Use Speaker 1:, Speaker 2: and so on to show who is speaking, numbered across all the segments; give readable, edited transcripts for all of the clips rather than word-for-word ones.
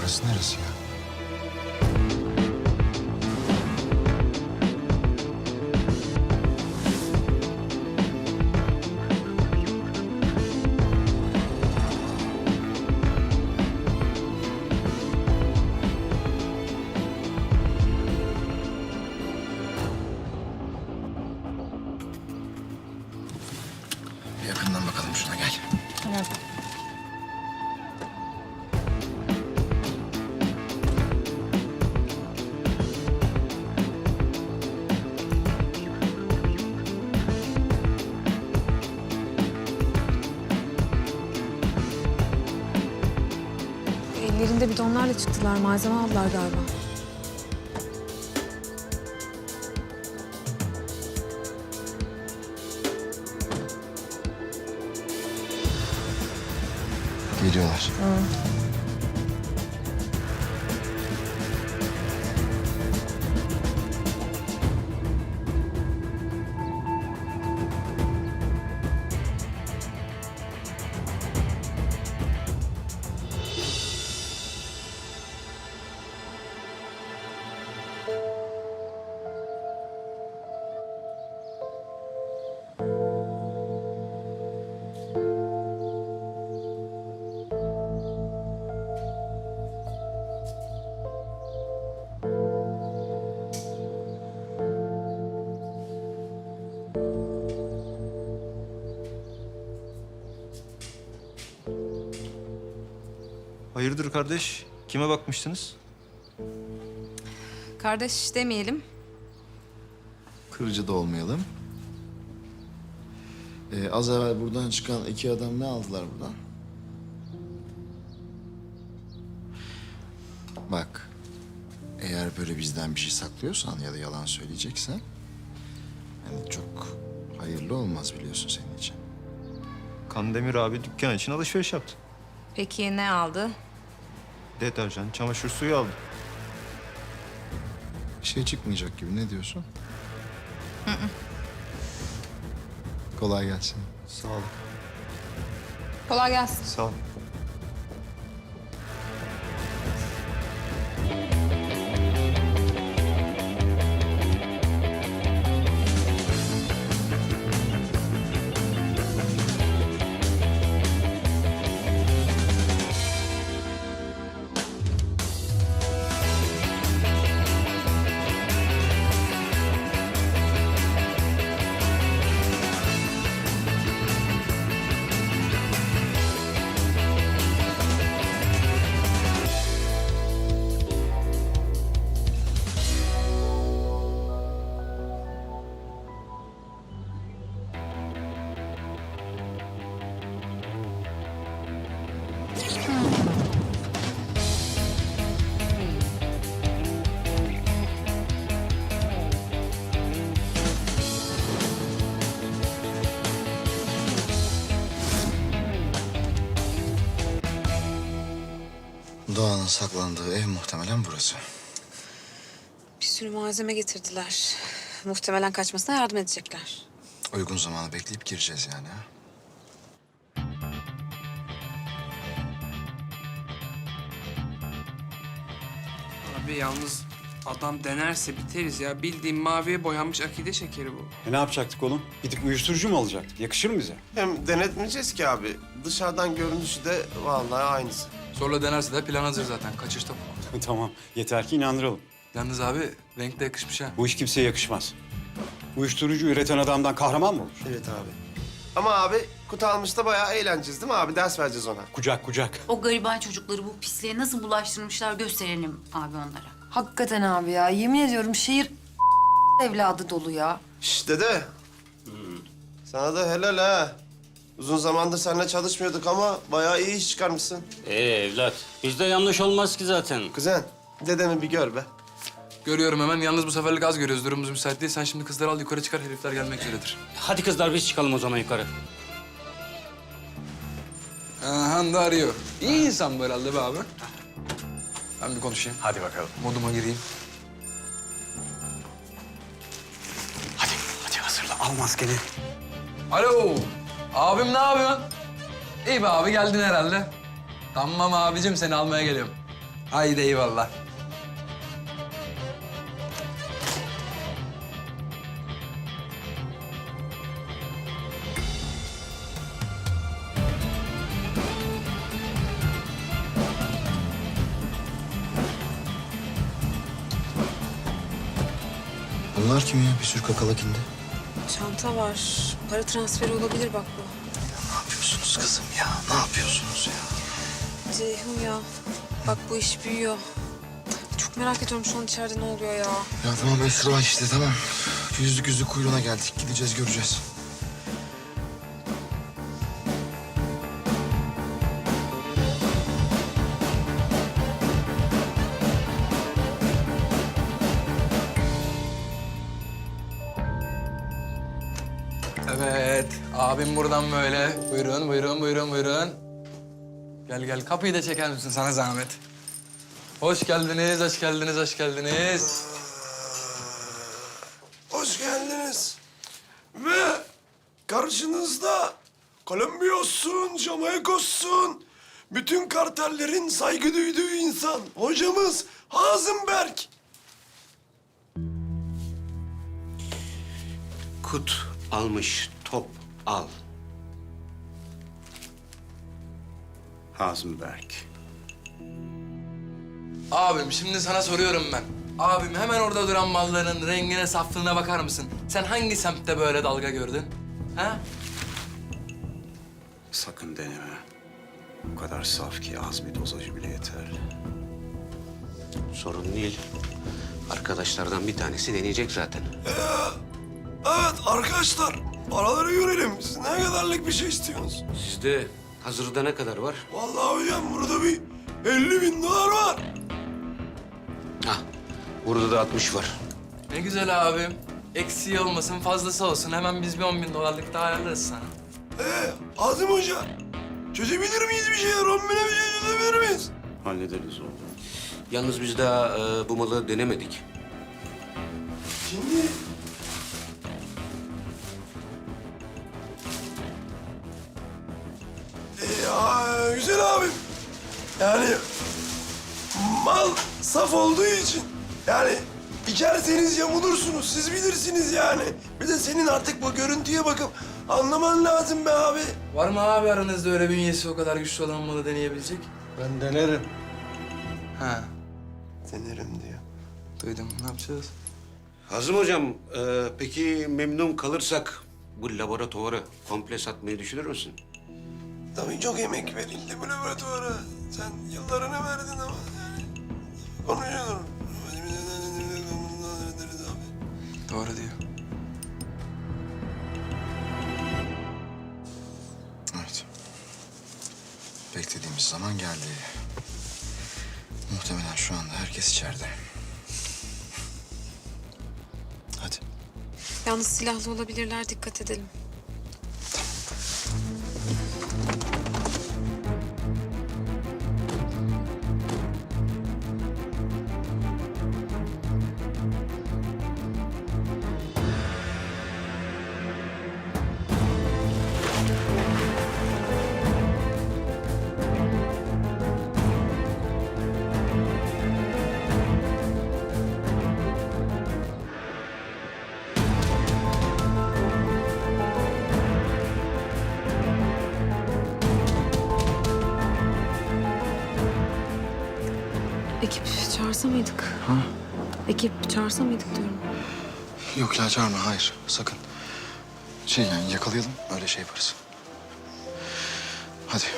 Speaker 1: Burası neresi ya? Bir yakından bakalım şuna, gel.
Speaker 2: Tamam. Ellerinde bidonlarla çıktılar. Malzeme aldılar galiba.
Speaker 1: Geliyorlar.
Speaker 3: Hayırdır kardeş? Kime bakmıştınız?
Speaker 2: Kardeş demeyelim.
Speaker 1: Kırıcı da olmayalım. Az evvel buradan çıkan iki adam ne aldılar buradan? Bak, eğer böyle bizden bir şey saklıyorsan ya da yalan söyleyeceksen... ...yani çok hayırlı olmaz biliyorsun senin için.
Speaker 3: Kandemir abi dükkan için alışveriş yaptı.
Speaker 2: Peki ne aldı?
Speaker 3: Deterjan, çamaşır suyu aldı.
Speaker 1: Bir şey çıkmayacak gibi, ne diyorsun? Kolay gelsin.
Speaker 3: Sağ ol.
Speaker 2: Kolay gelsin.
Speaker 3: Sağ ol.
Speaker 1: Doğan'ın saklandığı ev muhtemelen burası.
Speaker 2: Bir sürü malzeme getirdiler. Muhtemelen kaçmasına yardım edecekler.
Speaker 1: Uygun zamanı bekleyip gireceğiz yani, ha?
Speaker 4: Abi yalnız adam denerse biteriz ya. Bildiğin maviye boyanmış akide şekeri bu.
Speaker 5: Ne yapacaktık oğlum? Gidip uyuşturucu mu alacaktık? Yakışır mı bize?
Speaker 6: Hem denetmeyeceğiz ki abi. Dışarıdan görünüşü de vallahi aynısı.
Speaker 7: Zorla denerse de plan hazır zaten. Kaçışta bu.
Speaker 5: Tamam. Yeter ki inandıralım.
Speaker 7: Yalnız abi renk de yakışmış ha.
Speaker 5: Bu iş kimseye yakışmaz. Uyuşturucu üreten adamdan kahraman mı olur?
Speaker 6: Evet abi. Ama abi kutu almışta bayağı eğleneceğiz değil mi abi? Ders vereceğiz ona.
Speaker 5: Kucak kucak.
Speaker 8: O gariban çocukları bu pisliğe nasıl bulaştırmışlar gösterelim abi onlara.
Speaker 9: Hakikaten abi ya. Yemin ediyorum şehir evladı dolu ya.
Speaker 6: Şşş dede. Sana da helal ha. Uzun zamandır seninle çalışmıyorduk ama bayağı iyi iş çıkarmışsın.
Speaker 10: Evlat, bizde yanlış olmaz ki zaten.
Speaker 6: Kuzen, dedemi bir gör be.
Speaker 7: Görüyorum hemen. Yalnız bu seferlik az görüyoruz. Durumumuz müsait değil. Sen şimdi kızları al yukarı çıkar. Herifler gelmek üzeredir.
Speaker 10: Hadi kızlar biz çıkalım o zaman yukarı.
Speaker 7: Han da arıyor. İyi insan bu herhalde be abi. Ben bir konuşayım.
Speaker 5: Hadi bakalım.
Speaker 7: Moduma gireyim.
Speaker 5: Hadi hazırla. Al maskeni.
Speaker 7: Alo. Abim ne yapıyorsun? İyi be abi geldin herhalde. Tamam abicim seni almaya geliyorum. Haydi eyvallah.
Speaker 1: Bunlar kim ya? Bir sürü kakalak indi.
Speaker 2: Çanta var. Para transferi olabilir bak bu.
Speaker 1: Ne yapıyorsunuz kızım ya? Ne yapıyorsunuz ya?
Speaker 2: Ceyhun ya. Bak bu iş büyüyor. Çok merak ediyorum şu an içeride ne oluyor ya.
Speaker 1: Ya tamam Esra işte tamam. Yüzlük kuyruğuna geldik. Gideceğiz göreceğiz.
Speaker 7: Evet, abim buradan böyle. Buyurun, buyurun, buyurun, buyurun. Gel gel, kapıyı da çeker misin sana zahmet? Hoş geldiniz, hoş geldiniz, hoş geldiniz.
Speaker 6: Hoş geldiniz. Ve karşınızda Kolombiyos'un, Jamaikos'un, bütün kartellerin saygı duyduğu insan. Hocamız Hazım Berk.
Speaker 11: Kut almış, top al. Hazım Berk.
Speaker 7: Abim, şimdi sana soruyorum ben. Abim, hemen orada duran malların rengine, saflığına bakar mısın? Sen hangi semtte böyle dalga gördün? Ha?
Speaker 11: Sakın deneme. O kadar saf ki az bir dozajı bile yeter. Sorun değil. Arkadaşlardan bir tanesi deneyecek zaten.
Speaker 6: Evet arkadaşlar, paraları görelim. Siz ne kadarlık bir şey istiyorsunuz?
Speaker 11: Sizde hazırda ne kadar var?
Speaker 6: Vallahi hocam burada bir 50.000 dolar var.
Speaker 11: Hah, burada da 60 var.
Speaker 7: Ne güzel abim. Eksiği olmasın, fazlası olsun. Hemen biz bir 10.000 dolarlık daha ayarlarız sana.
Speaker 6: Hazım Hoca, çözebilir miyiz bir şeyler? 10.000'e bir şey çözebilir miyiz?
Speaker 11: Hallederiz oğlum. Yalnız biz daha bu malı denemedik.
Speaker 6: Şimdi... güzel abim. Yani mal saf olduğu için yani içerseniz yamulursunuz. Siz bilirsiniz yani. Bir de senin artık bu görüntüye bakıp anlaman lazım be abi.
Speaker 7: Var mı abi aranızda öyle bünyesi o kadar güçlü olan malı deneyebilecek?
Speaker 6: Ben denerim.
Speaker 7: Ha,
Speaker 6: Denerim diyor.
Speaker 7: duydum. Ne yapacağız?
Speaker 11: Hazım hocam, peki memnun kalırsak bu laboratuvarı komple satmayı düşünür müsün?
Speaker 6: Tabii çok emek verildi bu laboratuvara. Sen yıllarını verdin ama yani konuşuyorum.
Speaker 7: Doğru diyor.
Speaker 1: Evet. Beklediğimiz zaman geldi. Muhtemelen şu anda herkes içeride. Hadi.
Speaker 2: Yalnız silahlı olabilirler, dikkat edelim. Ekip çağırsa mıydık?
Speaker 1: Ha?
Speaker 2: Ekip çağırsa mıydık diyorum.
Speaker 1: Yok ya çağırma, hayır. Sakın. Yani yakalayalım, öyle şey yaparız. Hadi.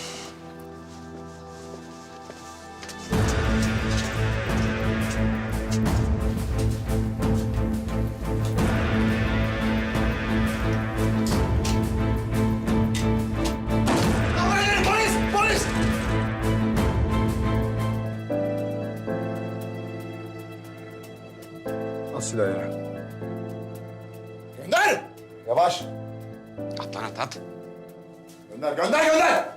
Speaker 5: Nasıl ya? Gönder! Yavaş.
Speaker 11: At lan at.
Speaker 5: Gönder, gönder, gönder!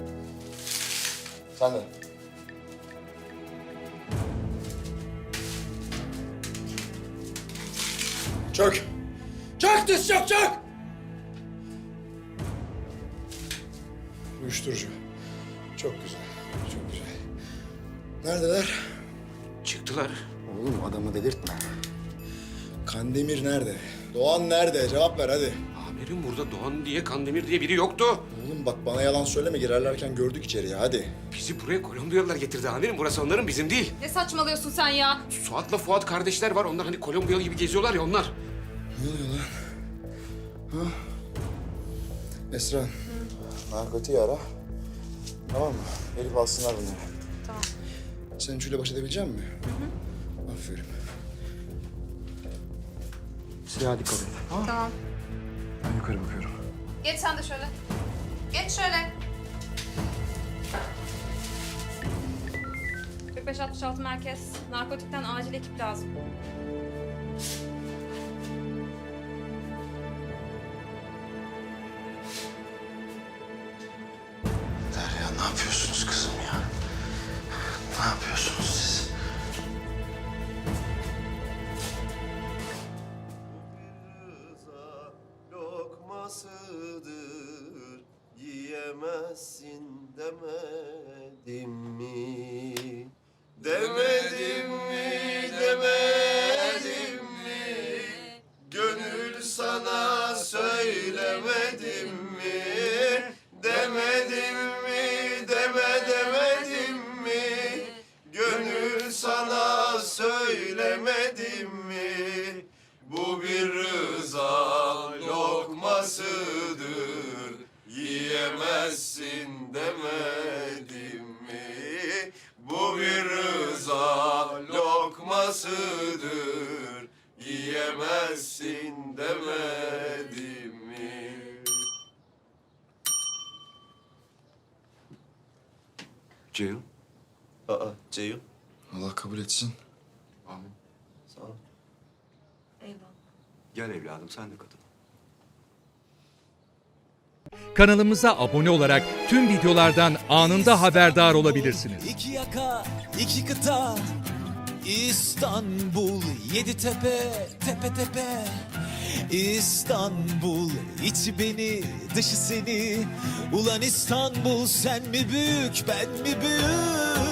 Speaker 5: Sen de. Çök. Çök diz çök, çök! Uyuşturucu. Çok güzel, çok güzel.
Speaker 1: Neredeler?
Speaker 11: Çıktılar.
Speaker 1: Oğlum adamı delirtme. Kandemir nerede? Doğan nerede? Cevap ver hadi.
Speaker 11: Amirim burada Doğan diye, Kandemir diye biri yoktu.
Speaker 1: Oğlum bak bana yalan söyleme, girerlerken gördük içeriye, hadi.
Speaker 11: Bizi buraya Kolombiyalılar getirdi amirim. Burası onların, bizim değil.
Speaker 2: Ne saçmalıyorsun sen ya?
Speaker 11: Suat'la Fuat kardeşler var. Onlar hani Kolombiyalı gibi geziyorlar ya onlar.
Speaker 1: Ne oluyor lan? Ha? Esra, narkotiği ara. Tamam mı? Gelip alsınlar bunları.
Speaker 2: Tamam.
Speaker 1: Sen Üçü'yle baş edebilecek misin? Aferin. Silah'a dikkat et.
Speaker 2: Tamam.
Speaker 1: Ben yukarı bakıyorum.
Speaker 2: Geç sen de şöyle. Geç şöyle. 45-66 merkez. Narkotikten acil ekip lazım.
Speaker 1: Derya ne yapıyorsunuz kızım ya? Ne yapıyorsunuz siz?
Speaker 6: Lokmasıdır, yiyemezsin demedim mi? Demedim mi, demedim mi? Gönül sana söylemedim mi? Demedim mi, demedim mi? Gönül sana söylemedim mi? Bu bir rıza lokmasıdır, yiyemezsin demedim mi? Bu bir rıza lokmasıdır, yiyemezsin demedim mi?
Speaker 11: Ceyhun.
Speaker 6: Aa, Ceyhun.
Speaker 1: Allah kabul etsin.
Speaker 11: Amin.
Speaker 6: Sağ ol.
Speaker 11: Gel evladım sen de katıl.
Speaker 12: Kanalımıza abone olarak tüm videolardan anında haberdar olabilirsiniz.
Speaker 13: İki yaka, iki kıta, İstanbul, yedi tepe, tepe tepe. İstanbul, içi beni, dışı seni. Ulan İstanbul, sen mi büyük, ben mi büyük?